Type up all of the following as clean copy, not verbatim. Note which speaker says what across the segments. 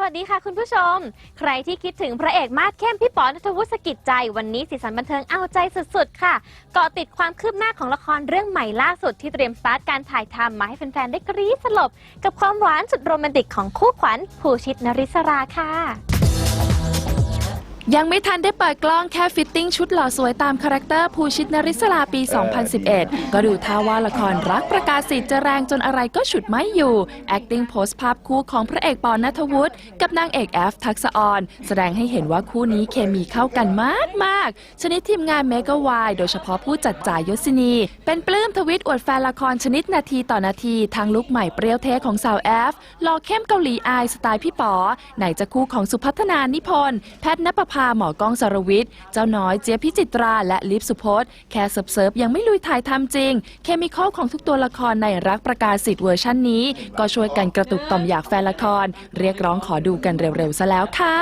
Speaker 1: วัสดีค่ะคุณผู้ชมใครที่คิดถึงพระเอกมาสเข้มพี่ป๋อ ณัฐวุฒิ สกิจใจวันนี้สีสันบันเทิงเอาใจสุดๆค่ะเกาะติดความคืบหน้าของละครเรื่องใหม่ล่าสุดที่เตรียมสตาร์ทการถ่ายทำมาให้แฟนๆได้กรี๊ดสลบกับความหวานสุดโรแมนติกของคู่ขวัญภูชิต นริศราค่ะ
Speaker 2: ยังไม่ทันได้เปิดกล้องแค่ฟิตติ้งชุดหล่อสวยตามคาแรคเตอร์ภูชิต นริศราปี 2011 ก็ดูท่าว่าละครรักประกาศสิทธิ์จะแรงจนอะไรก็ฉุดไม่อยู่ acting โพสต์ภาพคู่ของพระเอกปอ ณัฐวุฒิกับนางเอกแอฟทักษะออนแสดงให้เห็นว่าคู่นี้เคมีเข้ากันมากชนิดทีมงานเมกะวายโดยเฉพาะผู้จัดจ่ายยศินีเป็นปลื้มทวิตอวดแฟนละครชนิดนาทีต่อนาทีทางลุคใหม่เปรี้ยวเทของสาวแอฟหล่อเข้มเกาหลีอายสไตล์พี่ป๋อไหนจะคู่ของสุพัฒนานิพนธ์แพทย์ณปภาหมอกล้องสรวิทย์เจ้าน้อยเจี๊ยบพิจิตราและลิฟสุพจน์แค่เซิร์ฟยังไม่ลุยถ่ายทำจริงเคมีคอลของทุกตัวละครในรักประกาศสิทธิ์เวอร์ชันนี้ก็ช่วยกันกระตุกต่อมอยากแฟนละครเรียกร้องขอดูกันเร็วๆซะแล้วค่ะ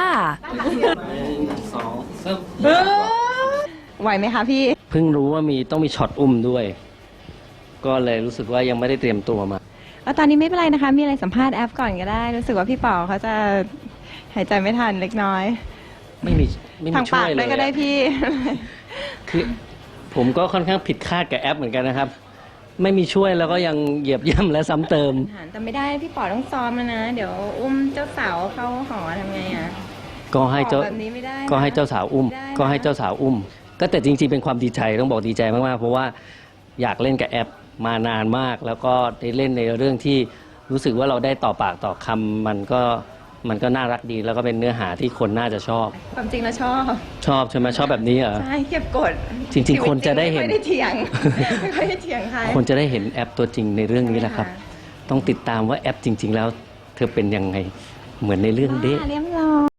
Speaker 3: ไหวไหมคะพี่
Speaker 4: เพิ่งรู้ว่าต้องมีช็อตอุ้มด้วย ก็เลยรู้สึกว่ายังไม่ได้เตรียมตัวมา
Speaker 3: แล้วตอนนี้ไม่เป็นไรนะคะมีอะไรสัมภาษณ์แอฟก่อนก็ได้รู้สึกว่าพี่ป๋อเขาจะหายใจไม่ทันเล็กน้อย
Speaker 4: ไม่มี
Speaker 3: ทางปากด้วยก็ได้พี่
Speaker 4: คือผมก็ค่อนข้างผิดคาดกับแอปเหมือนกันนะครับไม่มีช่วยแล้วก็ยังเหยียบย่ำและซ้ำเติม
Speaker 3: แต่ไม่ได้พี่ป๋อต้องซ้อมแล้วนะเดี๋ยวอุ้มเจ้าสาวเข้าหอทำไงอ่ะ
Speaker 4: ก็ให้เจ้าสาวอุ้มก็แต่จริงๆเป็นความดีใจต้องบอกดีใจมากๆเพราะว่าอยากเล่นกับแอปมานานมากแล้วก็ได้เล่นในเรื่องที่รู้สึกว่าเราได้ต่อปากต่อคำมันก็น่ารักดีแล้วก็เป็นเนื้อหาที่คนน่าจะชอบ
Speaker 3: ความจริงแล้วช
Speaker 4: อบใช่ไหมชอบแบบนี้เหรอ
Speaker 3: ใช่เก็บกด
Speaker 4: จริงๆคนจะได้เห็น
Speaker 3: ไม่ได้เถียงใคร
Speaker 4: คนจะได้เห็นแอปตัวจริงในเรื่องนี้แหละครับต้องติดตามว่าแอปจริงๆแล้วเธอเป็นยังไงเหมือนในเรื่องเด้
Speaker 3: เรียบร้อย